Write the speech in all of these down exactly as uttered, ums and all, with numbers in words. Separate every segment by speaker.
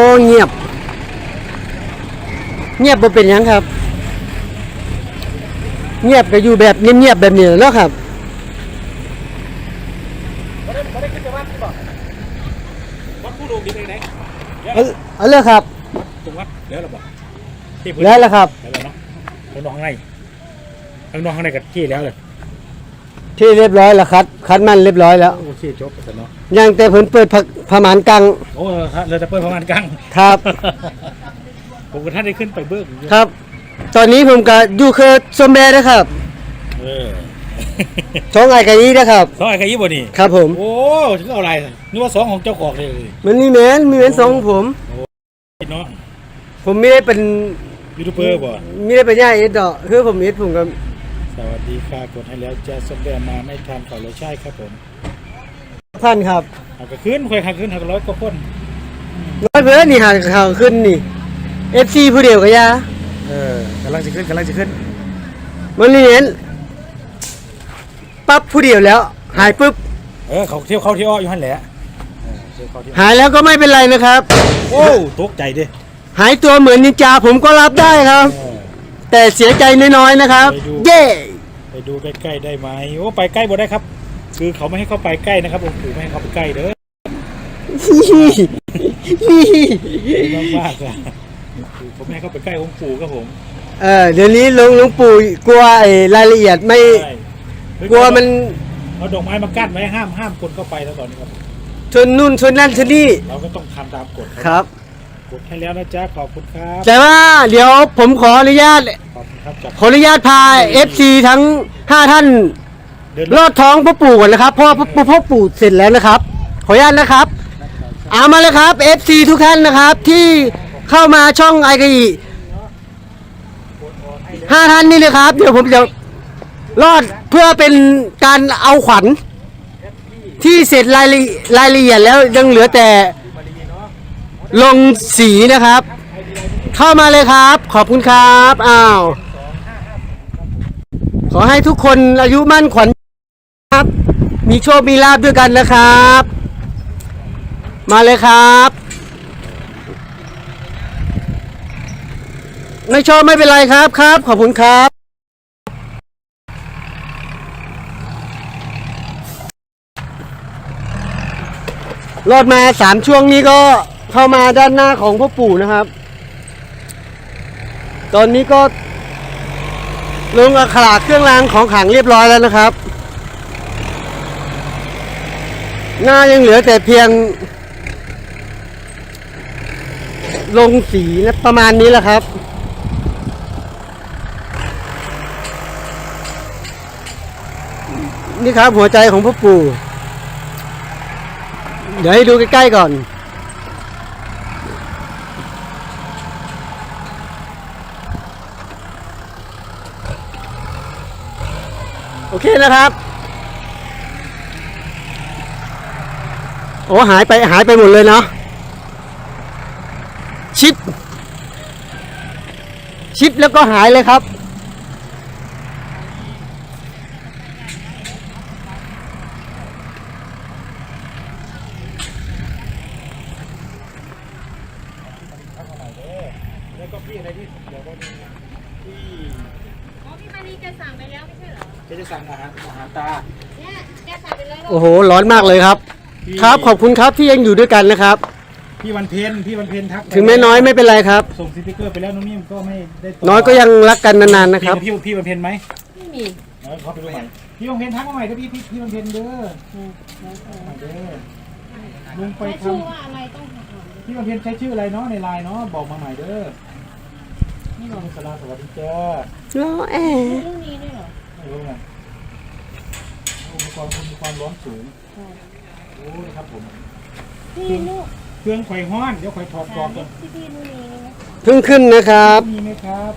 Speaker 1: เงียบเงียบบ่เป็นหยังครับเงียบก็อยู่แบบเงียบๆแบบนี้แล้วครับ
Speaker 2: วัดผู้ดูดีไปไหน
Speaker 1: เอาเลยครับ
Speaker 2: ตรงวัดแล้วเราบอก
Speaker 1: แล้วละครับ
Speaker 2: แล้วเนาะข้างนอกข้างในข้างนอกข้างในกับที่แล้วเลย
Speaker 1: ที่เรียบร้อยแล้วครับคัดมันเรียบร้อยแล้ว
Speaker 2: โอเคจบกันเนาะ
Speaker 1: ยังแต่เพิ่นเปิดผามานกัง
Speaker 2: โอ้เราจะเปิดผามานกัง
Speaker 1: ครับ
Speaker 2: ผมกับท่านได้ขึ้นไปเบิ้ง
Speaker 1: ครับตอนนี้ผมก็อยู่คือสมแบนะครับ
Speaker 2: เออ
Speaker 1: ช่องไอ้กะยี่นะครับ
Speaker 2: ช่องไอ้กะยี่บ่นี่
Speaker 1: ครับผม
Speaker 2: โอ้ถึงเอาอะไรนึกว่าสองของเจ้าของเลย
Speaker 1: มันมีแมนมีแมนสองของผม
Speaker 2: เนาะ
Speaker 1: ผมไม่ได้เป็น
Speaker 2: ยูทูบเบอร์บ่
Speaker 1: ไม่ได้เป็นย่าเอ็ดดอกคือผมเอ็ดผมก็
Speaker 2: สวัสดีค่ะกดให้แล้วจะสมแบมาไม่ทันเขาเลยใช่ครับผม
Speaker 1: ท่านครับ
Speaker 2: หักขึ้นค่อยหักขึ้นหักร้อยก็พ้น
Speaker 1: ร้อยเพื่อนนี่หักข่าวขึ้นนี่เอฟซีผู้เดียวกับยา
Speaker 2: เออกำลังจะขึ้นกำลังจะขึ้น
Speaker 1: มันนี่เห็นปั๊บผู้เดียวแล้วหายปุ๊บ
Speaker 2: เออเขาเที่ยวเขาเที่ยวอยู่หันแหละ
Speaker 1: หายแล้วก็ไม่เป็นไรนะครับ
Speaker 2: โอ้ตกใจดิ
Speaker 1: หายตัวเหมือนนินจาผมก็รับได้ครับแต่เสียใจน้อยๆนะครับเย่
Speaker 2: ไปดูใกล้ๆได้ไหมโอ้ไปใกล้บ่ได้ครับคือเขาไม่ให้เข้าไปใกล้นะครับองค์ปู่ไม่ให้เข้าไปใกล้เด้อมากๆเลยผมไม่ให้เข้าไปใกล้องค์ปู่ครับผม
Speaker 1: เออเดี๋ยวนี้หลวงหลวงปู่กลัวไอ้รายละเอียดไม่กลัวมัน
Speaker 2: เอาดอกไม้มากั้นไว้ห้ามห้ามคนเข้าไปแล้วตอนนี้ครับ
Speaker 1: ชนนู่นชนนั่นชนนี่
Speaker 2: เราก็ต้องทำตามกฎ
Speaker 1: ครับ
Speaker 2: กดให้แล้วนะจ๊ะขอบคุณครับ
Speaker 1: แต่ว่าเดี๋ยวผมขออนุญาตขออนุญาตพา เอฟ ซี ทั้งห้าท่านลอดท้องพ่อปู่ก่อนนะครับเพราะพ่อพ่อปู่เสร็จแล้วนะครับขออนุญาตนะครับเอามาเลยครับ เอฟ ซี ทุกท่านนะครับที่เข้ามาช่องไอกีห้าท่านนี่เลยครับเดี๋ยวผมจะลอดเพื่อเป็นการเอาขวัญที่เสร็จรายรายละเอียดแล้วยังเหลือแต่ลงสีนะครับเข้ามาเลยครับขอบคุณครับอ้าวขอให้ทุกคนอายุมั่นขวัญครับมีโชคมีลาภด้วยกันนะครับมาเลยครับไม่ชอบไม่เป็นไรครับครับขอบคุณครับรอดมาสามช่วงนี้ก็เข้ามาด้านหน้าของพ่อปู่นะครับตอนนี้ก็ลงอักขระเครื่องรางของขลังเรียบร้อยแล้วนะครับหน้ายังเหลือแต่เพียงลงสีนะประมาณนี้แหละครับนี่ครับหัวใจของพ่อปู่เดี๋ยวให้ดูใกล้ๆก่อนโอเคนะครับโอ้หายไปหายไปหมดเลยเนาะชิปชิปแล้วก็หายเลยครับ
Speaker 2: แล้วก็พี่อะไรที่เดี๋ยวก็มีที่
Speaker 3: อ๋อพี่มานีจะสั่งไปแล้วไม่ใช่เหรอ
Speaker 2: จะจะสั่งอาหารอาหารตา
Speaker 3: เนี่ยแกสั่งไปแล้ว
Speaker 1: โอ้โหร้อนมากเลยครับครับขอบคุณครับที่ยังอยู่ด้วยกันนะครับ
Speaker 2: พี่วันเพ็ญพี่วันเพ็ญทัก
Speaker 1: ถึงแม่น้อยไม่เป็นไรครับ
Speaker 2: ส่งสติ๊กเกอร์ไปแล้วน้องนิ่มก็ไม่ได้
Speaker 1: น้อยก็ยังรักกันนานๆนะครับ
Speaker 2: พี่พี่วันเพ็ญไหม
Speaker 3: ไม่มี
Speaker 2: เขาไปดูใหม่พี่วันเพ็ญทักมาใหม่ก็พี่พี่พี่วันเพ็ญเด้อเด้อลุงไปทำชื่อว่าอะไรต้องพี่วันเพ็ญใช้ชื่ออะไรเนาะในไลน์เนาะบอกมาใหม่เด้อนี่น้องสลาสวัสดีจ้า
Speaker 1: ล้อแอร์
Speaker 3: เรื่องนี้ด้วยเหรอ
Speaker 2: ไม่รู้ไงอุปกรณ์มีความร้อนสูงโอ้ยครับผม
Speaker 3: พี่ลูก
Speaker 2: เครื่องไฟห้อนเดี๋ยวไฟถอดกรอบก่อน
Speaker 1: เพิ่งขึ้นนะครับ
Speaker 2: มีไหมครับ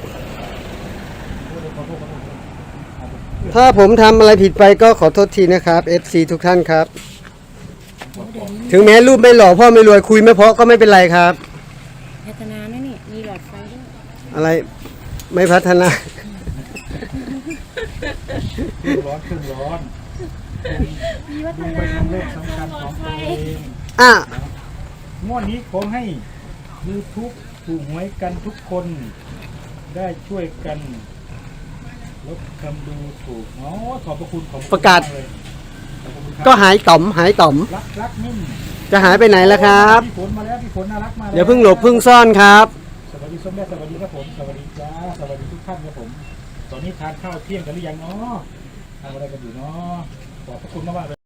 Speaker 1: ถ้าผมทำอะไรผิดไปก็ขอโทษทีนะครับ เอฟ ซี ทุกท่านครับถึงแม้รูปไม่หล่อพ่อไม่รวยคุยไม่เพราะก็ไม่เป็นไรครับ
Speaker 3: พัฒนาไหมนี่มีหลอดไฟด้วย
Speaker 1: อะไรไม่พัฒนา
Speaker 2: ร้อนขึ้นร้อน
Speaker 3: มีวัฒนา
Speaker 2: ไปทำเลขสำคัญของตัวเอง
Speaker 1: อ่ะ
Speaker 2: งวดนี้ขอให้ YouTube ถูกหวยกันทุกคนได้ช่วยกันลดคำดูถูกอ๋อขอบพระคุณขอบพ
Speaker 1: ประกาศ
Speaker 2: มเลยขอบคุณครับ
Speaker 1: ก็หายต่อมหายต่อม
Speaker 2: รักรักนิ่ม
Speaker 1: จะหายไปไหนแล้วครับ
Speaker 2: พี่ฝนมาแล้วพี่ฝนน่ารักมาแล้ว
Speaker 1: เดี๋ยวเพิ่งหลบเพิ่งซ่อนครับ
Speaker 2: สวัสดีส้มแม่สวัสดีครับผมสวัสดีจ้าสวัสดีทุกท่านครับผมตอนนี้ทานข้าวเที่ยงกันหรือยังเนาะทำอะไรกันอยู่เนาะขอบพระคุณมากๆเลย